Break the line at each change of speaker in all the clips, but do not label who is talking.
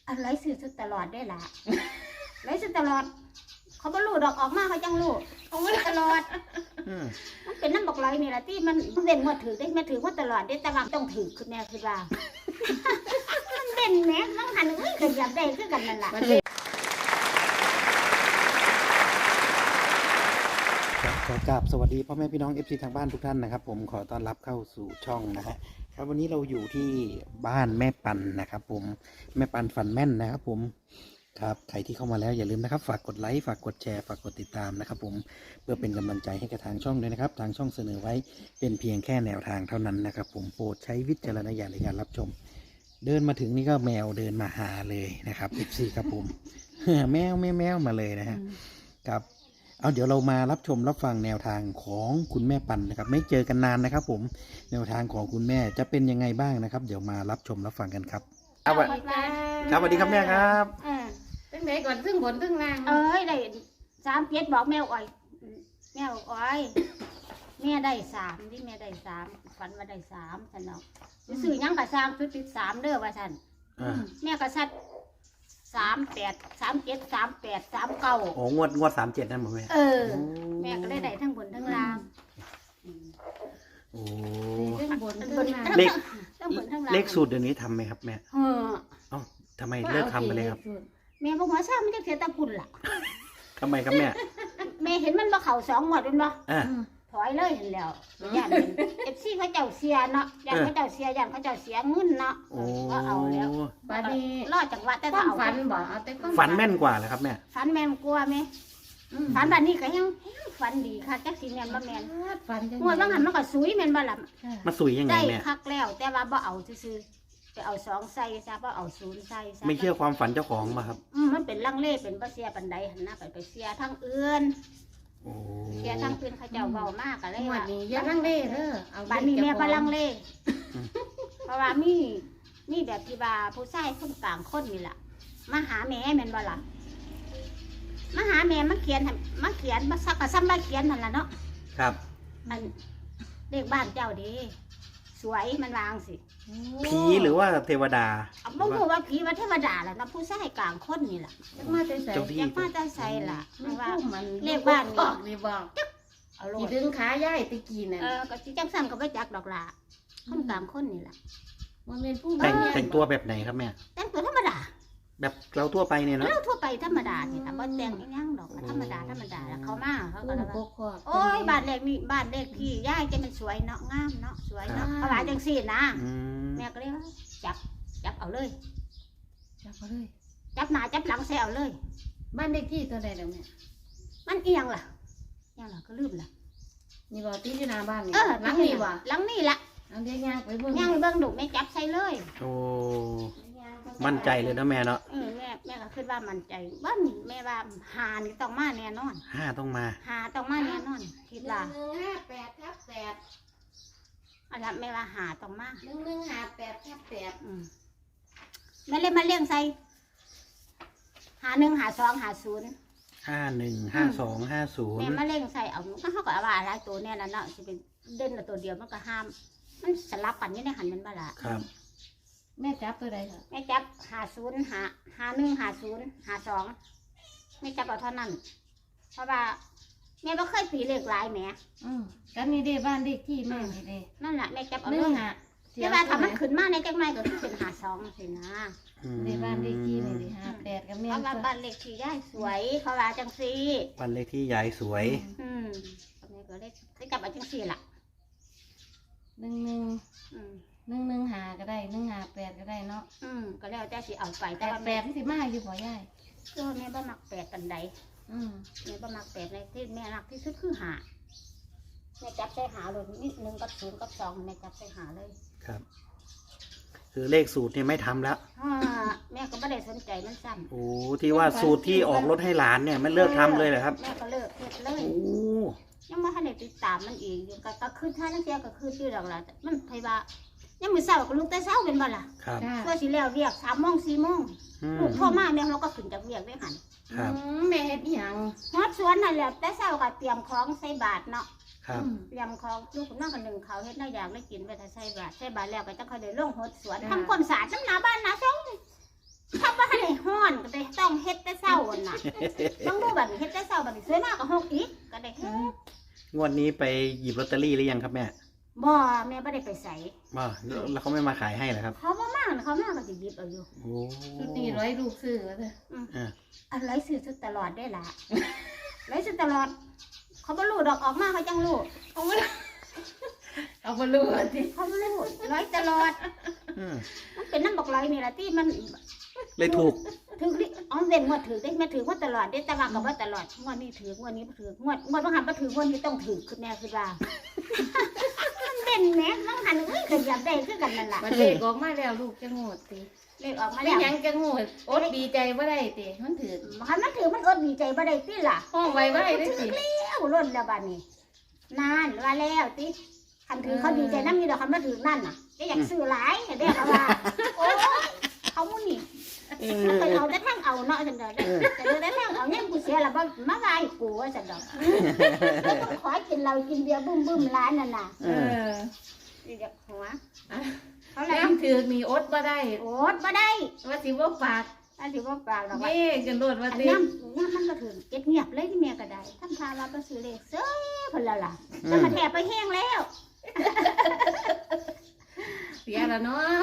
อะไรซื้อตลอดได้ล่ะไรซื้อตลอดเขาบ่รู้ดอกออกมาเขาจังรู้เขาไม่ตลอดมันเป็นน้ำบอกไรนี่แหละที่มันเด่นมาถือได้มาถือว่าตลอดได้แต่ว่าต้องถือคือแม่คือว่ามันเด่นแม่ต้องหันก็อยากได้คือกันนั่นแหละ
ขอกราบสวัสดีพ่อแม่พี่น้อง FC ทางบ้านทุกท่านนะครับผมขอต้อนรับเข้าสู่ช่องนะฮะครับวันนี้เราอยู่ที่บ้านแม่ปันนะครับผมแม่ปันฝันแม่นนะครับผมครับใครที่เข้ามาแล้วอย่าลืมนะครับฝากกดไลค์ฝากกดแชร์ฝากกดติดตามนะครับผมเพื่อเป็นกำลังใจให้กับทางช่องด้วยนะครับทางช่องเสนอไว้เป็นเพียงแค่แนวทางเท่านั้นนะครับผมโปรดใช้วิจารณญาณในการรับชมเดินมาถึงนี่ก็แมวเดินมาหาเลยนะครับ FC ครับผม แมวมาเลยนะฮะครับเอาเดี๋ยวเรามารับชมรับฟังแนวทางของคุณแม่ปันนะครับไม่เจอกันนานนะครับผมแนวทางของคุณแม่จะเป็นยังไงบ้างนะครับเดี๋ยวมารับชมรับฟังกันครับครับสวัสดีครับแม่ครับ
ตั้งไหนก่อนซึ่งบนซึ่งล่าง
ได้37บอกแมวอ้อยแมวอ้อยแม่ได้3ที่แม่ได้3ฝันว่าได้3ฉันเนาะซื้อยังกะสร้างคือติด3เด้อว่าฉันแม่ก็ซัด38 37 38 39
โอ้งวด37นั่นหมดแม่
แม่ก็ได้ทั้งบนทั้งล่าง
โอ้
ซึ่งบนซึ่งล่าง
เลขสูตรเดี๋ยวนี้ทำไหมครับแม่เอ้าทำไมเลิกทำไปเลยครับ
แม่บอกว่าทราบมันจะเสียตะพุ่นล่ะ
ทำไมครับแม่
แม่เห็นมันมาเข่า2 งวดเป็นบ่ถอยเลยเห็นแล้วย่านFCเขาเจ้าเสียเนาะย่านเขาเจ้าเสียย่านเขาเจ้าเสียเงินเนาะก็เอาแล้ว
บัดนี้
รอดจังหวะแต่
เอาฝันบ่เอาแต่
ฝันแม่นกว่าเหรอครับแม่
ฝันแม่นกว่าแม่ฝันบัดนี้ก็ยังฝันดีค่ะจักสิแม่นบ่แม่น
ฝันจัง
งวดบางหันมันก็สุยแม่นบ่ล่ะ
มาสุยยังไงแม่
ได้คักแล้วแต่ว่าบ่เอาซื่อๆไปเอา2ใส่ซะบ่เอา0ใส่ซะ
ไม่เชื่อความฝันเจ้าของป่ะครับ
มันเป็นลังเลเป็นบ่เสียปานใดหั่นนะไปเสียทางอื่นเสียทางอื่นเขาเจ้าเว้ามากก็เลยว่า
นี่อย่าลังเลเด้อ
เอาบัดนี้แม่บ่ลังเลเพราะว่ามีแบบที่ว่าผู้ชายคนกลางคนนี่ล่ะมาหาแม่แม่นบ่ล่ะมาหาแม่มาเขียนมาซักกะซ้ำมาเขียนนั่นล่ะเนาะ
ครับ
อันเลขบ้านเจ้าดีสวยมันวางสิ
ผีหรือว่าเทวดา
บ่ฮู้ว่าผีว่าเทวดาล่ะนะผู้ชายกลางคนนี่ล่ะ
มาแต่ใส่
มาแต่ใส่ล่ะว่าเลข
บ้า
บ้าน
นี่บอก
เอาลง
สิดึงขาย่ายตะกี้น่ะ
ก็สิจังซั่นก็บ่จักดอกล่ะคนกลางคนนี่ล่ะ
บ่แม่นผู้
แต่งตัวแบบไหนครับแม่
แต่งตัวธรรมดา
แบบเราทั่วไปเนี่ยเนาะ
เราทั่วไปธรรมดานี่ล่ะบ่แต่งอีหยังดอกธรรมดาแล้วเขามาเขาก็ว่าโอ้ยบ้านเลขนี่บ้านเลขที่ย่ายจะมันสวยเนาะงามเนาะสวยเนาะเขาว่าจังซี่นะแม่ก็เลยจับเอาเลย
จับเอาเลย
จับหน้าจับหลังใส่เอาเลย
บ้านเลขที่ตัวใดแล้วแม่
มันเอียงล่ะก็ลืมล่ะ
นี่บ่ที่อยู่หน้าบ้านนี่หลังนี่บ่
หลังนี่ล่ะ
เอาเดี๋ยวย่างไปเบิ่ง
ย่างไปเบิ่งดุแม่จับใส่เลย
โอ้มั่นใจเลยนะแม่เนาะ
แม่ก็คิดว่ามั่นใจบ้านแม่ว่าหานี่ต้องมาแน่นอน
5ต้องมา
แน่นอนคิดว่า
1158/8
อันนั้นแม่ว่าหาต้องมา
1158/8
แม่เลยมาเลี้ยงใส่51 52 50
515250
แม่มาเลี้ยงใส่เอาก็เขาก็ว่าหลายตัวเนี่ยแล้วเนาะสิเป็นเด่นตัวเดียวมันก็ห้ามมันสลับกันอยู่ในหันมันบ่ล่ะ
ครับ
แม่จับตัวใดครับ
แม่จับ50 51 50 52แม่จับเอาเท่านั้นเพราะว่าแม่บ่เคยตีเลขหลายแหม
กันนี่เด้บ้านเลขที่แม่นี่เด้
นั่นแหละแม่จับเอาเลยแต่ว่าถ้ามันขึ้นมาในจังได๋ก็คือเป็น52สินะ
เด้บ้านเลขที่นี่ดิ58กับแม่
เพราะว่าบ้านเลขที่ยายสวยเขาว่าจังซี่
บ้านเลขที่ยายสวย
แม่ก็เลยจับเอาจังซี่ล่ะ
115ก็ได้158ก็ได้เนาะ
ก็แล้วแต่สิเอาไป
แต่ว่า8มันสิมาอยู่บ่ยาย
แม่บ่มัก8ปานใดแม่บ่มัก8ในที่แม่รักที่สุดคือ5แม่จับใส่หาเลยนิดนึงกับ0กับ2แม่จับใส่หาเลย
ครับคือเลขสูตรนี่ไม่ทำแล้ว
แม่ก็ไม่ได้สนใจมันซ้ำ
โอ้ที่ว่าสูตรที่ออกรถให้หลานเนี่ยไม่เลิกทำเลยเหรอครับ
แม่ก็เลิกเลยโอ้ยังไม่ทันได้ติดตามมันอีกอยู่ก็คืนท่านั่งเสียก็คืนที่หลักละมันไผว่ายังมือเช้าก็ลุกแต่เช้าเป็นบ่ล่ะ
ครับ
เพื่อสิแล้วเรียก3 โมง 4 โมงลูกพ่อมาแม่เขาก็ขึ้นจากเรียกได้หัน
แม่เฮ็ดอีหยัง
ฮอดสวนนั่นแหละแต่เช้าก็เตรียมของใส่บาตรเนาะ
ครับ
เตรียมของลูกนั่งกัน1เขาเฮ็ดน่าอยากได้กินไปถ้าใส่บาตรแล้วก็จะค่อยได้ลงฮอดสวนทำความสะอาดน้ำหน้าบ้านหน้าช่องทำบ่ทันได้แต่ต้องเฮ็ดแต่เช้าหั่นน่ะต้องดูบัดนี้เฮ็ดแต่เช้าบัดนี้สวยมากก็6อีกก็ได้เฮ็ด
งวดนี้ไปหยิบลอตเตอรี่หรือยังครับแม่
บ่แม่บ่ได้ไปใส่
บ่แล้วเขาไม่มาขายให้เหรอครับ
เขาบ่มาเขามาก็สิหยิบเอาอยู่
โอ้
ชุดนี้ร้อยลูกซื้อว่าเถอะ
อะไรซื้อตลอดได้ล่ะไรซื้อตลอด เขาบ่รู้ดอกออกมาเขาจังรู้
เอามาเอามาลูกสิ
เขาบ่รู้ร้อยตลอด
อืม
มันเป็นน้ำบอกร้อยนี่ล่ะที่มัน
เลยถูก
ถืออ๋อเว้นงวดถือได้แม่ถือว่าตลอดได้แต่ว่าก็บ่ตลอดงวดนี้ถืองวดนี้บ่ถืองวดบ่หันบ่ถืองวดนี้ต้องถือคือแม่คือว่ามันเด่นแหมต้องหันก็อยากได้คือกันนั่นล่ะ
มันเด็กออกมาแล้วลูกจะโง่สิ
เลขออกมา
ไม่
แล้ว
ยังจะโง่อดดีใจว่าได้ติมันถือ
คันมันถือมันอดดีใจบ่ได้ติล่ะ
ห้องไว้ว่าได้สิ
แล้วล้นแล้วบัดนี้นานว่าแล้วติคันถือเขาดีใจนำอยู่ดอกคันมาถือนั่นน่ะได้อยากซื้อหลายได้เขาว่าโอ้ยเขาหมู่นี่มันไปเอาแต่ทางเอาเนาะจังได๋แต่ได้ทางเอายังกูเสียแล้วบ่มาว่าให้กูว่าจังดอกขอกินเหล้ากินเบียร์บึ้มๆร้านนั่นน่ะ
เออ
นี่เด็กหัว
เขาแล้วถือมีอดบ่ได้
โอ๊ตบ่ได้
ว่าสิว่าฝาก
อันสิบ่ปากดอกว่า
เย่กันโดดว่า
อัน
สิ
ย่ำมันก็ถึงเก็บเงียบเลยที่แม่ก็ได้ทำทาเราไปซื้อเลขเซ้ยเพิ่นละล่ะจะมาแถบไปแห้งแล้ว
เสียแล้วเนาะ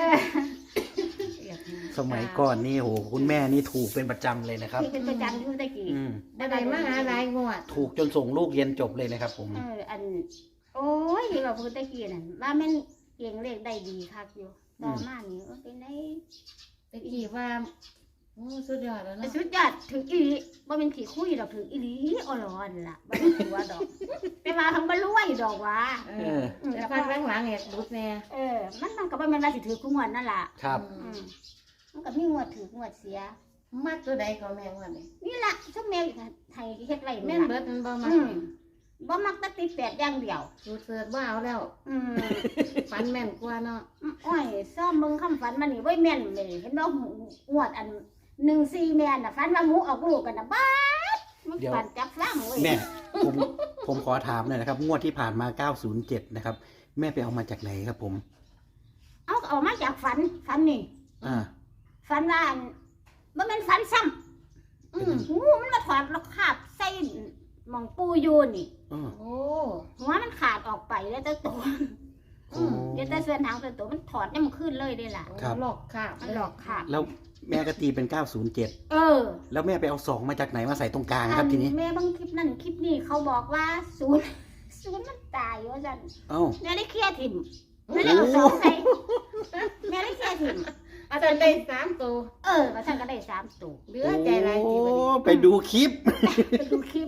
สมัยก่อนนี่โหคุณแม่นี่ถูกเป็นประจำเลยนะครับ
ที่เป็นประจำอยู่ตะกี้
อืม
ได้มาหาหลายงวด
ถูกจนส่งลูกเรียนจบเลยนะครับผม
อันโอ้ยเราพูดตะกี้นั่นว่ามันเก่งเลขได้ดีคักอยู่ต่อมานี่เป็นไง
ตะกี้ว่าโอ้สุดยอดแล้วเนาะ
สุดยอดถึงอีหลีบ่เป็นขี้คุยดอกถึงอีหลีอ่อนล่ะบ่เป็นตัวดอกแต่ว่าทั้งบ่รวยดอกว่า
เออแต่พักหลังๆเนี่ยรุดแน่
มันก็บ่แม่นว่าสิถือคู่งวดนั่นล่ะ
ครับ
มันก็มีงวดถืองวดเสีย
มักตัวใดก็แม่งวดนี่
นี่ล่ะซุมแม่ไทยเฮ็ดไว้
แม่
แม่
น
น
เบิดมันบ่มักนี่
บ่มักแตติด8อย่างเดียว
สูตรเสิร์ชว่าเอาแล้ว ฝันแม่นกว่าเนาะ
อ้อยซ่อมเบิ่งคำฝันมันนี่บ่แม่นเลยเห็นบ่งวดอัน14แม่นน่ะฝันว่าหมูออกลูกกันน่ะบ้าดมันฝันจับฟลังเว้ย
แม่ผมขอถามหน่อยนะครับ งวดที่ผ่านมา 907 นะครับ แม่ไปเอามาจากไหนครับผม
เอามาจากฝันนี่
อ่า
ฝันว่าบ่แม่นฝันซ้ำงูมันมาถอดแล้วคาบใส่หม่องปูอยู่นี่
โอ้
หัวมันขาดออกไปแล้วแต่ตัวเดี๋ยวแต่ส่วนหางแต่ตัวมันถอดเนี่ยมันขึ้นเลยได้ล่ะ
หลอกค่ะ
มันหลอกขาด
แล้วแม่ก็ตีเป็น 907 แล้วแม่ไปเอา2มาจากไหนมาใส่ตรงกลางครับทีนี้
แม่บางคลิปนั่นคลิปนี้เขาบอกว่าศูนย์มันตายว่าจัน
เอ้า
แม่ได้เคลียร์ถิ่มแม่ได้เอาสองใส่แม่ได้เคลียร์ถิ่ม
อาจารย์ได้3ตัว
ว่าท่านก็ได้3ตัว
เหลือใจหลายทีบัดนี้
โอ้ไปดูคลิป
ไปดูคลิป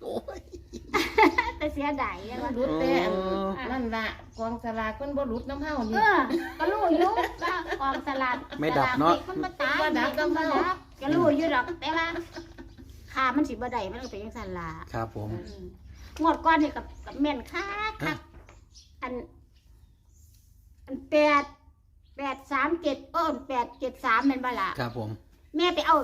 แต่เสียดายยังว่า
รุดแต่นั่นล่ะกองสลากคนบ่รุดน้ำเฮานี่
ก็รู้อยู่ว่ากองสลาก
ไม่ดับเนาะ
มันบ่ตายมันบ่ดับก็รู้อยู่ดอกแต่ว่าค่ามันสิบ่ได้มันก็เป็นจังซั่นล่ะ
ครับผม
งวดก้อนนี่กับแม่นคักอัน837873แม่นบ่ล่ะ
ครับผม
แม่ไปเอา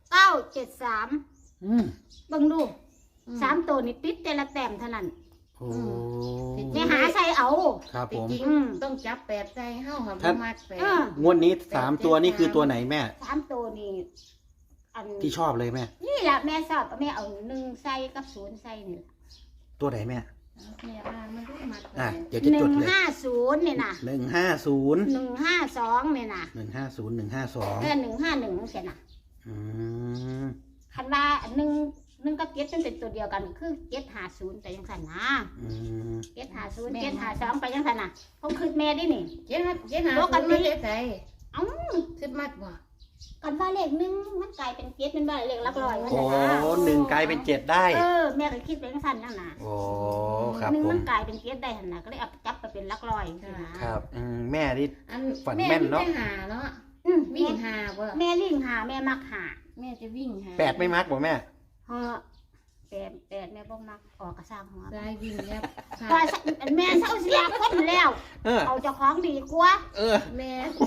973
อืม
เบิ่งดู3ตัวนี่ติดแต่ละแต้มเท่านั้น
โอ้
แม่หาใส่เอา
ครับผม
จริงต้องจับ8ใส่เฮาค่ะบ่มัก8
งวดนี้3ตัวนี่คือตัวไหนแม่
3ตัวนี่อัน
ที่ชอบเลยแม่
นี่แหละแม่ชอบแม่เอา1ใส่กับ0ใส่นี่ล่ะ
ตัวไหนแม่
แม่ว่ามันรู้มัก
เดี๋ยวจะจดเลย
150นี่น่ะ
150
152นี่น่ะ
150 152
151ใช่น่ะ
อืม
คันว่า1กับ7มันเป็นตัวเดียวกันคือ750แต่จังซั่นนะ
อืม
750 752ไปจังซั่นน่ะผมคิดแม่ดินี่
เจ๊หาปกติใส่
เอ้า
คิดมักบ่
กันว่าเลข1มันกลายเป็น7เป็นว่าเลขหลักร้อยมัน
โอ้
น่ะนะ
หนึ่งกลายเป็น7ได้
แม่ก็คิดไปจังซั่นนั่นน่ะ
โอ้ครับ
หนึ่ง
ผ
มั
ม
นกลายเป็น7ได้หั่นน่ะก็เลยเอาจับไปเป็นหลักร้อยจังซี่นะครับ
แม่นี่
อัน
ฝันแม่นเนาะ
แม่หาเนาะ
แม่
วิ่งหาบ่
แม่ลิงหาแม่มักหา
แม่จะวิ่งหา
8ไม่มักบ่แม่
เฮาแปดแม่บ่มักออกกระสร้างหัว
ได้วิ่งแล้ว
ว่าแม่เศร้าเสียคนแล้ว
เออ
เอาเจ้าของดีกว่า
เออ
แม่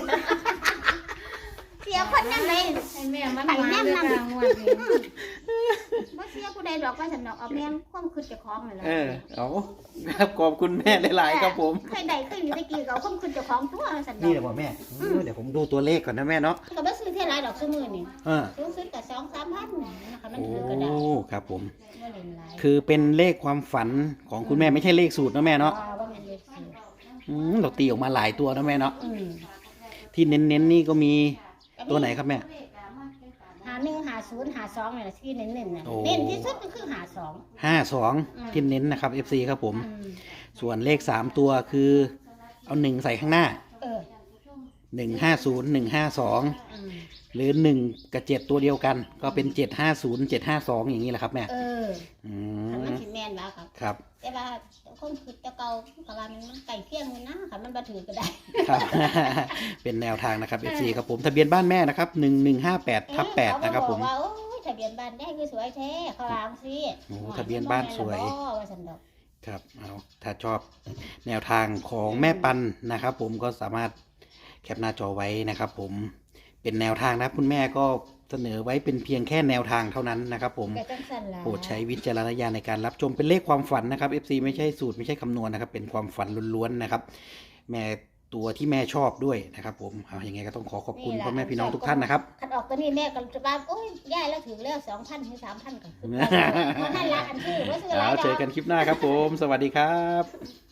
เสียคนยังไง
ให้แม่มันมาเด้อกลางวันนี้
บ่เสียผู้ใดดอกว่าฉันดอกเอาแม่งความคิดเจ้าของนั่นแหละ
เอาครับขอบคุณแม่หลายๆครับผม
เคยได้เคยอยู่ตะกี้ก็เอาความคิดเจ้าของตัวฉันดอ
นี่
ก
แหละบ่แม่เดี๋ยวผมดูตัวเลขก่อนนะแม่เนาะ
ก็บ่ซื้อเท่าไรดอกซื้อมื้อนี่
เออ
ซื้อ 2-3,000นะคะมัน
โอ้
ถือก็ได้
ครับผม
บ่เล่นหลาย
คือเป็นเลขความฝันของคุณแม่ไม่ใช่เลขสูตรนะแม่เนาะ
บ่แม่นเลขสูตร
เราตีออกมาหลายตัวนะแม่เนาะ
อืม
ที่เน้นๆนี่ก็มีตัวไหนครับแม่
51 50 52นี่แหละที่เน้นๆน่ะ
โอ้
เน้นที่สุดก็คือ52
52ที่เน้นนะครับ FC ครับผม
อืม
ส่วนเลข3ตัวคือเอา1ใส่ข้างหน้า
เออ
150 152
อืม
หรือ1กับ7ตัวเดียวกัน ก็เป็น750 752อย่างนี้แหละครับแม่
เออ
อื
คันมัน
ม
สิแม่นว่าครับ
ครับ
แต่ว่าคนคือแต่เก่าก็ว่ามันใกล้เคียงกันนะคันมันบ่ถือก็ได้
ครับ เป็นแนวทางนะครับ FC ครับผมทะเบียนบ้านแม่นะครับ1158/8นะครับผม
เขาบอกว่าโอ้ยทะเบียนบ้านได้คือสวยแท้เขาวางสิ
โอ้ทะเบียนบ้านสวย
ว่าสันดอก
ครับเอาถ้าชอบแนวทางของแม่ปันนะครับ ผมก็สามารถแคปหน้าจอไว้นะครับ ผมเป็นแนวทางนะครับคุณแม่ก็เสนอไว้เป็นเพียงแค่แนวทางเท่านั้นนะครับ ผม
แต่จังสันล่ะ
โปรดใช้วิจารณญาณในการรับชมเป็นเลขความฝันนะครับ FC ไม่ใช่สูตรไม่ใช่คำนวณนะครับ เป็นความฝันล้วนๆนะครับ แม่ตัวที่แม่ชอบด้วยนะครับ ผมเอาอย่างไงก็ต้องขอบคุณพ่อแม่พี่น้องทุกท่านนะครับ
คันออกตัวนี้แม่ก็จะว่าโอ้ยย่ายแล้วถือแล้ว2,000ถึง3,000ก็คือเพราะนั่นละอันที่ว่าซื้อหลาย
เอา
ด
เจ
อ
อก กันคลิปหน้าครับผม สวัสดีครับ